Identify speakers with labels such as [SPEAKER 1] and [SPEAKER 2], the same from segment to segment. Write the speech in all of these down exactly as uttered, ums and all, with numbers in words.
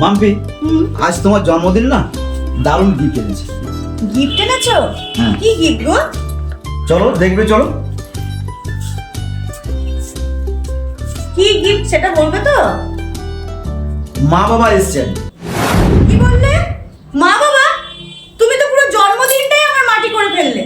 [SPEAKER 1] মাম্পি, আজ তোমার জন্মদিন না, দারুণ গিফট এনেছি।
[SPEAKER 2] গিফট এনেছো?
[SPEAKER 1] হ্যাঁ।
[SPEAKER 2] কি গিফট গো?
[SPEAKER 1] চলো দেখবে, চলো।
[SPEAKER 2] কি গিফট সেটা বলবে তো?
[SPEAKER 1] মা বাবা এসেছেন।
[SPEAKER 2] কি বললে? মা বাবা? তুমি তো পুরো জন্মদিনটাই আমার মাটি করে ফেললে।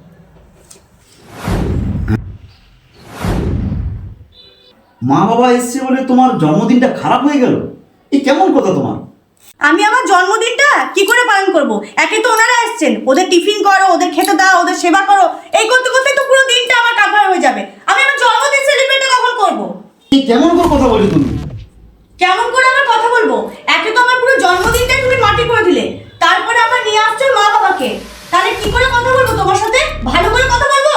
[SPEAKER 1] মা বাবা এসছে বলে তোমার জন্মদিনটা খারাপ হয়ে গেল? এই কেমন কথা তোমার?
[SPEAKER 2] আমি আমার জন্মদিনটা কি করে পালন করব? একে তো ওনারা এসেছেন, ওদের টিফিন করো, ওদের খেতে দাও, ওদের সেবা করো, এই করতে করতে তো পুরো দিনটা আমার কাভার হয়ে যাবে। আমি আমার জন্মদিন সেলিব্রেট কখন করব?
[SPEAKER 1] এই কেমন করে কথা বলছো তুমি?
[SPEAKER 2] কেমন করে আমার কথা বলবো? একে তো আমার পুরো জন্মদিনটাই তুমি মাটি করে দিলে, তারপরে আবার নিয়ে আসছো মা বাবাকে। তাহলে কি করে কথা বলবো তোমার সাথে? ভালো করে কথা বলবো?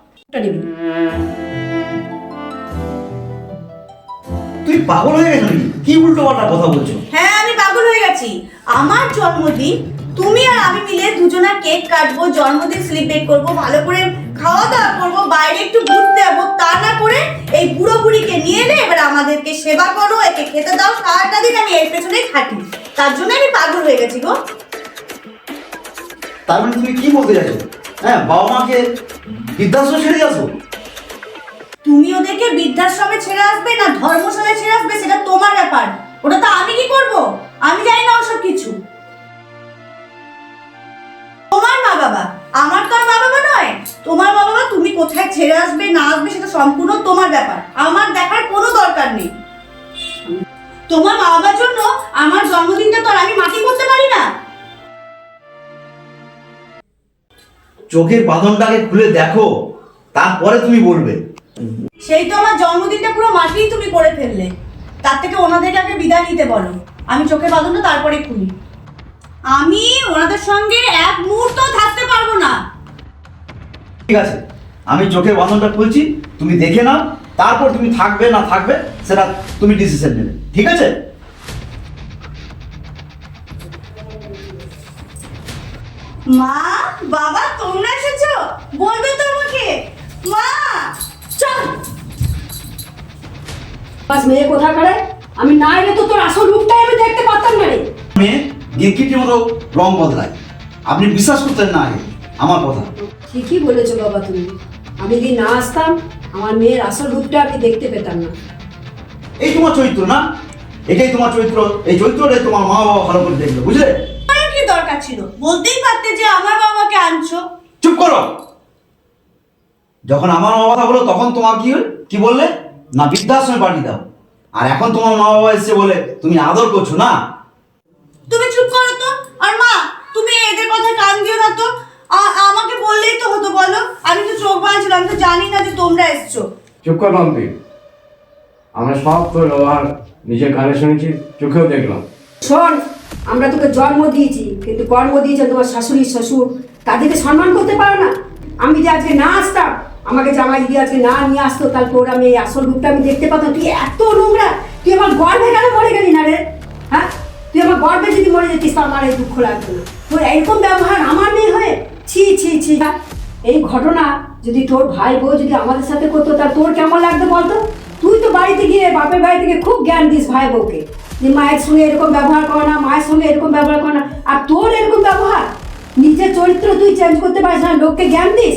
[SPEAKER 1] তুই পাগল হয়ে গেছো নাকি? কি উল্টো পাল্টা কথা বলছো?
[SPEAKER 2] হ্যাঁ, আমি পাগল হয়ে গেছি। আমার জন্মদিন, তুমি আর আমি মিলে দুজনা কেক কাটবো, জন্মদিন সেলিব্রেট করব, ভালো করে খাওয়া দাওয়া করবো, বাইরে একটু ঘুরতে যাবো, তা না করে এই বুড়ো বুড়িকে নিয়ে এলে এবার আমাদেরকে সেবা করো, একে খেতে দাও, সারাটা দিন আমি এর পেছনেই খাটি। তার জন্য আমি পাগল হয়ে গেছি গো।
[SPEAKER 1] তার মানে তুমি কি বলতে চাইছো? হ্যাঁ, বাবা মাকে বৃদ্ধাশ্রমে ছেড়ে আসো?
[SPEAKER 2] তুমি ওদেরকে বৃদ্ধাশ্রমে ছেড়ে আসবে না ধর্মশালায় ছেড়ে আসবে সেটা তোমার ব্যাপার, ওটা তো আমি কি করব? আমি জানি না ওসব কিছু। তোমার মা বাবা, আমার তো আর মা বাবা নয়। তোমার মা বাবা, তুমি কোথায় ছেড়ে আসবে না আসবে সেটা সম্পূর্ণ তোমার ব্যাপার, আমার দেখার কোনো দরকার নেই। তোমার মা বাবার জন্য আমার জন্মদিনটা তো আর আমি মাটি করতে পারি না।
[SPEAKER 1] চোখের বাঁধনটাকে খুলে দেখো, তারপরে তুমি বলবে।
[SPEAKER 2] সেই তো আমার জন্মদিনটা পুরো মাটিই তুমি করে ফেললে। তার থেকে ওনাদেরকে আগে বিদায় নিতে বলো, আমি চোখের বাঁধনটা তারপরে খুলি। আমি ওনাদের সঙ্গে এক মুহূর্ত থাকতে পারবো না।
[SPEAKER 1] ঠিক আছে, আমি চোখের বাঁধনটা খুলছি, তুমি দেখে নাও, তারপর তুমি থাকবে না থাকবে সেটা তুমি ডিসিশন নেবে, ঠিক আছে?
[SPEAKER 2] মা বাবা, তোমরা এসেছো? বলবে তো আমাকে। মা চল।
[SPEAKER 3] বাস মেয়ে কোথা করে? আমি না এলে তো তোর আসল রূপটাই আমি দেখতে পারতাম না রে।
[SPEAKER 1] মেয়ে গিরগিটির মতো রং বদলায়, আপনি বিশ্বাস করতেন না আগে আমার কথা।
[SPEAKER 3] ঠিকই বলেছো বাবা তুমি। আমি যদি না আসতাম আমার মেয়ের আসল রূপটা আমি দেখতে পেতাম না।
[SPEAKER 1] এই তোমার চরিত্র না, এটাই তোমার চরিত্র। এই চরিত্রটাই তোমার মা বাবা ভালো করে দেখবে, বুঝলে?
[SPEAKER 2] আমার কি দরকার ছিল? বলতেই পারতে যে আমার বাবাকে আনছো।
[SPEAKER 1] চুপ করো। যখন আমার মা কথা বলো তখন তোমার কি হল? কি বললে? না বৃদ্ধাশ্রমে পাঠিয়ে দাও। আর এখন তোমার মা বাবা এসে বলে তুমি আদর করছো না।
[SPEAKER 2] তুমি চুপ করো তো। আর মা, তুমি এদের কথায় কান দিও না তো। আ- আমাকে বললেই তো হতো, বলো। আমি তো চোখ বাঁধছিলাম, আমি তো জানি না যে তোমরা এসছো।
[SPEAKER 4] চুপ কর মাম্পি, আমরা সব তোর ব্যবহার নিজের কানে শুনেছি, চোখেও দেখলাম।
[SPEAKER 3] শোন, আমরা তোকে জন্ম দিয়েছি কিন্তু কর্ম দিয়েছে তোমার শাশুড়ি শ্বশুর, তাদেরকে সম্মান করতে পারো না। আমি যে আজকে না আসতাম, আমাকে জামাই যদি আজকে না নিয়ে আসতো, তাহলে তোর আমি এই আসল রূপটা আমি দেখতে পাতাম। তুই এত নোংরা, তুই আমার গর্বে কেন মরে গেলি না রে? হ্যাঁ, তুই আমার গর্বে যদি মরে যেতিস তো আমার এই দুঃখ লাগতো না। তোর এরকম ব্যবহার আমার মেয়ে হয়ে, ছি ছি ছি। এই ঘটনা যদি তোর ভাই বউ যদি আমাদের সাথে করতো তা তোর কেমন লাগতো বলতো? তুই তো বাড়িতে গিয়ে বাপের বাড়ি থেকে খুব জ্ঞান দিস ভাই বউকে, যে মায়ের সঙ্গে এরকম ব্যবহার করে না, মায়ের সঙ্গে এরকম ব্যবহার করে না। আর তোর এরকম ব্যবহার, নিজের চরিত্র তুই চেঞ্জ করতে পারিস না, লোককে জ্ঞান দিস।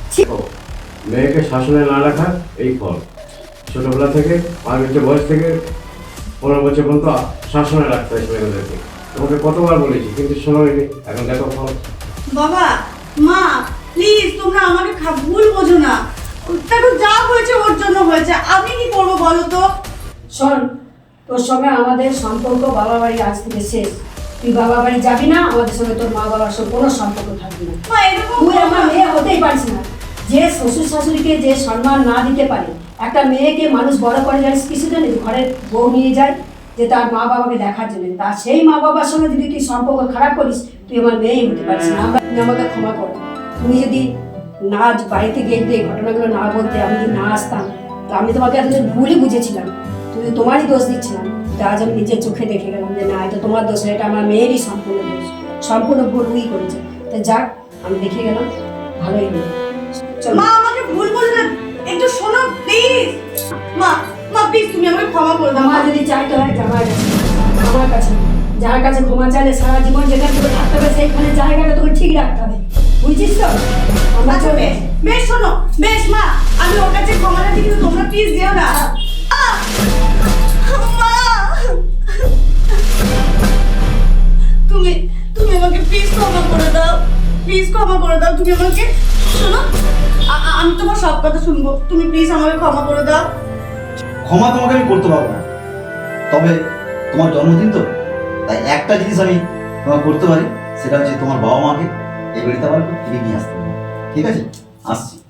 [SPEAKER 4] মেয়েকে শাসনে না রাখা এই ফল। ছোটবেলা থেকে পাঁচ বছর বয়স থেকে পনেরো বছর পর্যন্ত শাসনে রাখতে হয় মেয়েদেরকে। তোমাকে কতবার বলেছি কিন্তু শোনোনি, এখন দেখো ফল।
[SPEAKER 2] বাবা, মা, প্লিজ তোমরা আমাকে খা- ভুল বোঝো না। দেখো, যা হয়েছে ওর জন্য হয়েছে, আমি কি করবো বলো তো?
[SPEAKER 3] শোন, তোর সঙ্গে আমাদের সম্পর্ক বাবা বাড়ি আজ থেকে শেষ। তুই বাবা বাড়ি যাবি না, আমাদের সঙ্গে তোর মা বাবার সঙ্গে কোনো সম্পর্ক থাকবে না।
[SPEAKER 2] মা, এরকম
[SPEAKER 3] তুই আমার মেয়ে হতেই পারিস না। যে শ্বশুর শাশুড়িকে যে সম্মান না দিতে পারে, একটা মেয়েকে মানুষ বড় করে জানিস কিছু জানিস, ঘরের বউ নিয়ে যায় যে তার মা বাবাকে দেখার জন্য, তা সেই মা বাবার সঙ্গে যদি তুই সম্পর্ক খারাপ করিস, তুই আমার মেয়েই হতে পারিস না। আমরা তুমি আমাকে ক্ষমা করো। তুমি যদি না বাড়িতে গিয়ে যদি এই ঘটনাগুলো না বলতে, আমি যদি না আসতাম, তো আমি তোমাকে এতদিন ভুলই বুঝেছিলাম, তুমি তোমারই দোষ দিচ্ছিলাম। তা আজ আমি নিজের চোখে দেখে গেলাম যে না, এটা তোমার দোষ, এটা আমার মেয়েরই সম্পূর্ণ দোষ, সম্পূর্ণ ভুল উই করেছে। তা যাক, আমি দেখে গেলাম, ভালোই হলো।
[SPEAKER 2] মা, আমাকে ভুল বলো না, একটু শোনো প্লিজ। মা, মা প্লিজ তুমি আমাকে ক্ষমা করে দাও।
[SPEAKER 3] আমার যদি চাইতে হয় জামাই কাছে, আমার কাছে যার কাছে ক্ষমা চাইলে সারা জীবন যেখানে তোকে থাকতে হবে সেইখানে জায়গাটা তোকে ঠিক রাখতে হবে, বুঝছিস তো? আমরা
[SPEAKER 2] আচ্ছা
[SPEAKER 3] চলে
[SPEAKER 2] বেশ বেশ শোনো, বেশ মা, আমি ওর কাছে ক্ষমা চাচ্ছি, কিন্তু তোমরা প্লিজ যেও না। আহ! মা, তুমি তুমি আমাকে প্লিজ ক্ষমা করে দাও, প্লিজ ক্ষমা করে দাও। তুমি আমাকে শোনো, আ- আ- আমি তোমার সব কথা শুনবো, তুমি প্লিজ আমাকে ক্ষমা করে দাও।
[SPEAKER 1] ক্ষমা তোমাকে আমি করতে পারবো না, তবে তোমার জন্মদিন তো, তাই একটা জিনিস আমি তোমার করতে পারি, সেটা হচ্ছে তোমার বাবা মাকে এই বাড়িতে আবার ফিরে নিয়ে আসতে হবে। ঠিক আছে, আসছি।